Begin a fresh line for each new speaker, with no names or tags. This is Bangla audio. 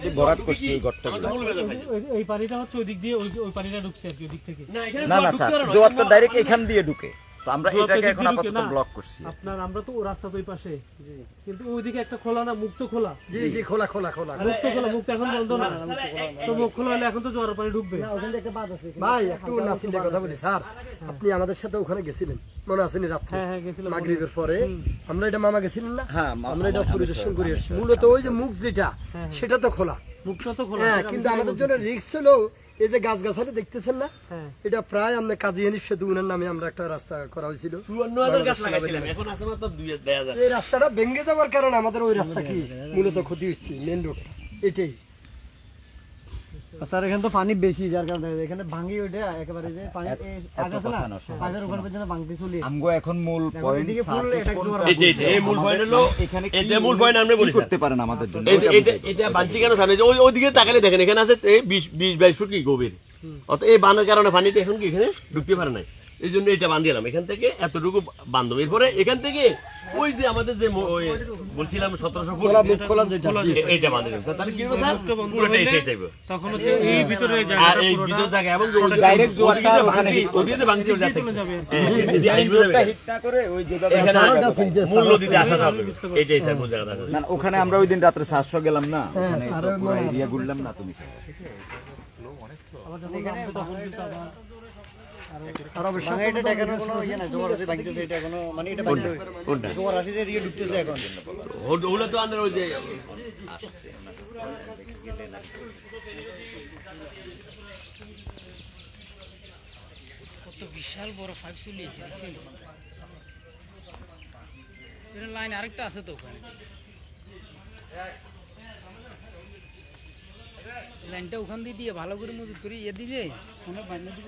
ভরাট করছি এই গর্তগুলো।
এই পানিটা হচ্ছে ওই দিক দিয়ে ওই পানিটা ঢুকছে আর কি ওই দিক থেকে।
না না স্যার, জোয়ার তো ডাইরেক্ট এখান দিয়ে ঢুকে, তো আমরা এটাকে এখন আপাতত ব্লক করছি।
আপনার আমরা তো রাস্তা তো ওই পাশে, কিন্তু ওইদিকে একটা খোলা না, মুক্ত খোলা।
জি জি, খোলা খোলা খোলা,
মুক্ত খোলা, মুক্ত এখন বন্ধ না। তো মুখ খোলা হলে এখন তো জোয়ার পানি ঢুকবে।
ভাই একটু নাসিলের কথা বলি স্যার, আপনি আমাদের সাথে ওখানে গেছিলেন মনে আছে নি রাত্রে?
হ্যাঁ গেছিলাম।
মাগরিবের পরে আমরা এটা মামা গেছিলেন না?
হ্যাঁ,
আমরা এটা পরিদর্শন করে এসেছি। মূলত ওই যে মুখ যেটা সেটা তো খোলা,
মুখটা তো খোলা।
হ্যাঁ, কিন্তু আমাদের জন্য রিস্ক হলো এই যে গাছ গাছালি দেখতেছেন না,
হ্যাঁ।
এটা প্রায় আমরা কাজী হানিফ সেতু উনার নামে আমরা একটা রাস্তা করা হয়েছিল।
৫৪,০০০ গাছ লাগাইছিলাম, এখন আছে মাত্র ২,০০০।
এই রাস্তাটা ভেঙে যাওয়ার কারণে আমাদের ওই রাস্তা কি মূলত ক্ষতি হচ্ছে, মেন রোড এটাই।
স্যার এখানে তো পানি বেশি, যার কারণে এখানে ভাঙি ওঠে একেবারে, যে পানি
এত কথা না, শোনো,
পানির ওখানে পর্যন্ত ভাঙতে চলে।
আমগো এখন মূল পয়েন্ট
এদিকে ফুল এটা একটু
এই মূল পয়েন্ট হলো,
এখানে
এটা মূল পয়েন্ট আমরা বলি
করতে পারেন আমাদের জন্য।
এটা বানছি কেন জানেন? ওইদিকে তাকালে দেখেন এখানে আছে ২০-২২ ফুট কি গভীর। অর্থাৎ এই বাঁধার কারণে পানিটা এখন কি এখানে ঢুকতে পারে নাই, এই জন্য এটা বান্ধিলাম। এখান থেকে এতটুকু বান্ধব, এরপরে এখান থেকে ওই যে আমাদের যে বলছিলাম ১৭০০ ফুট এইটা বান্ধে দিলাম। তাহলে কি হবে স্যার, পুরোটা এসে যাবে।
তখন হচ্ছে এই ভিতরে
আর এই ভিতর জায়গা এবং
ডাইরেক্ট জোয়ারটা ওখানে হিট করবে।
ওদিকে ভাঙছি ওটা
চলে যাবে।
রোডটা হিট না করে ওই যেভাবে
এখানে মূল নদীতে আসা যাবে, এইটাই স্যার মূল জায়গাটা।
না না, ওখানে আমরা ওই দিন রাত্রে ৭০০ গেলাম না, ওখানে তো পুরো এরিয়া ঘুরলাম না তুমি।
আর অবশ্য
এটা দেখানোর কোনো ইয়ে না, জোয়ার আছে ভাঙতেছে, এটা কোনো মানে এটা ভাঙতে জোয়ার আসে যে এদিকে ঢুকতেছে এখন।
ওগুলো তো আমাদের ওই যে
কত বিশাল বড় পাইপ চলিয়েছে, এর লাইন আরেকটা আছে তো ওখানে, লাইনটা ওখান দিয়ে ভালো করে মজুত করে দিলে